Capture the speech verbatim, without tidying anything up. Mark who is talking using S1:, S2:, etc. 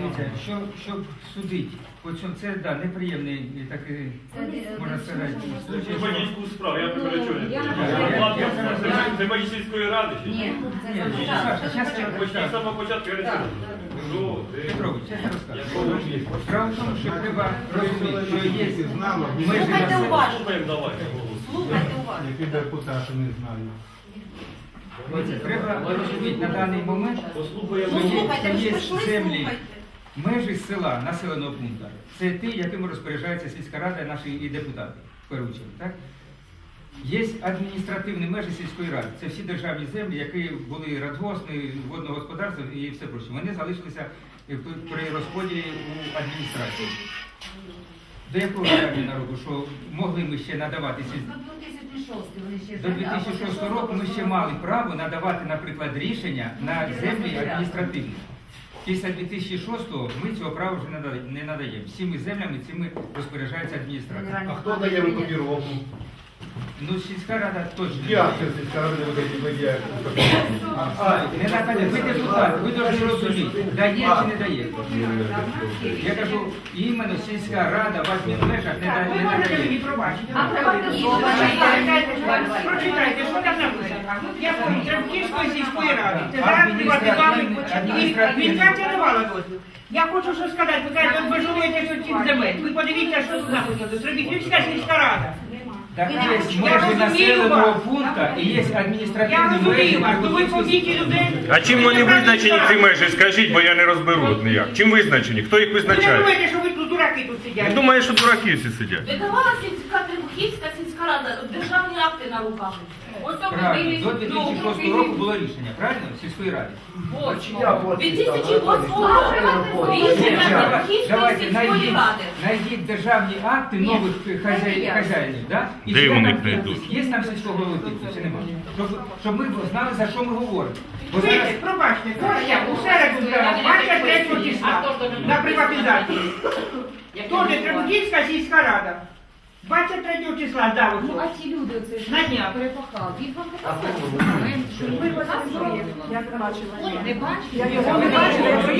S1: Дивіться, що, щоб судити, от що це да, неприємний такий, можна сказати, случай.
S2: Це бандитську справу, я попереджую.
S3: Я-
S2: Це бандитської ради? чи
S3: Ні, це
S1: Ні,
S3: не
S1: Саша,
S3: так.
S1: щас я
S2: Почти з самого початку я не Ну,
S1: Петрович, я розкажу. Справа в тому, що треба розуміти, що є межі
S3: Слухайте
S1: населення.
S3: уважно.
S2: Слухаємо, давайте.
S3: Слухайте уважно.
S4: Які депутати не знають.
S1: Дивіться, треба розуміти на даний момент,
S2: Послухаємо.
S3: Ну,
S1: що є,
S3: слухайте,
S1: що
S3: ви ж
S1: є
S3: прийшли,
S1: землі,
S3: слухайте.
S1: межі села, населеного пункту. Це ті, якими розпоряджається сільська рада, наші і депутати, в першу чергу, так? Є адміністративні межі сільської ради. Це всі державні землі, які були радгосні, водного господарства і все проще. Вони залишилися при розподілі у адміністрації. До якого питання народу, що могли ми ще надавати сільські? До дві тисячі шостого року ми ще мали право надавати, наприклад, рішення на землі адміністративні. Після дві тисячі шостого ми цього права вже не надаємо. Всіми землями цими розпоряджається адміністрація.
S4: А хто дає викопіровку?
S1: Ну, сільська рада точно.
S4: Як це сільська рада не видає викопіровку?
S1: А, не Наталя, ви депутат, ви повинні розуміти, дає чи не дає. Я кажу, іменно сільська рада в адмінмежах не дає.
S5: Ви можете мені пробачити? Прочитайте, що там написано. Я кажу, Требківської сільської ради. Це зараз приватизували. Адміністрація давала дозвіл. Я хочу що сказати, ви кажете, от ви жуєте тут цих земель. Ви подивіться, що тут написано. Требківська сільська рада.
S1: Так є межі населеного пункту і є
S5: Я
S1: адміністративні межі.
S5: розумію вас, то ви побійте людей.
S6: А чим вони визначені, ці межі? Скажіть, бо я не розберу ніяк. Чим визначені? Хто їх
S5: Ви не
S6: визначає?
S5: думаєте, що ви тут дураки тут
S6: Я
S5: сидять?
S6: думаю, що дураки всі сидять.
S7: Видавала сільська Требухівська сільська рада державні акти на руках. Ось то
S1: Правильно, до дві
S7: ну,
S1: тисячі шостого року було рішення, правильно? Сільської ради.
S7: дві тисячі восьмого року рішення Требухівської
S1: Давайте
S7: сільської
S1: найдіть,
S7: ради.
S1: найдіть державні акти нових хазяїв, хазяїнів, да? І
S6: Де
S1: чи
S6: вони
S1: там
S6: знайдуть?
S1: підпис? Є там сільського голови підпис, чи немає? Щоб, щоб ми знали, за що ми говоримо. Бо
S5: Ви,
S1: зараз
S5: пробачте, Костя, у середу двадцять третього числа на приватизацію. Тоже Требухівська сільська рада. двадцять третього числа здав
S3: Ну,
S5: ось.
S3: а ці люди оце ж
S5: На днях.
S3: перепахали. Їх вам показали. Ви вас не бачили. Не бачили?
S5: Я його не бачила.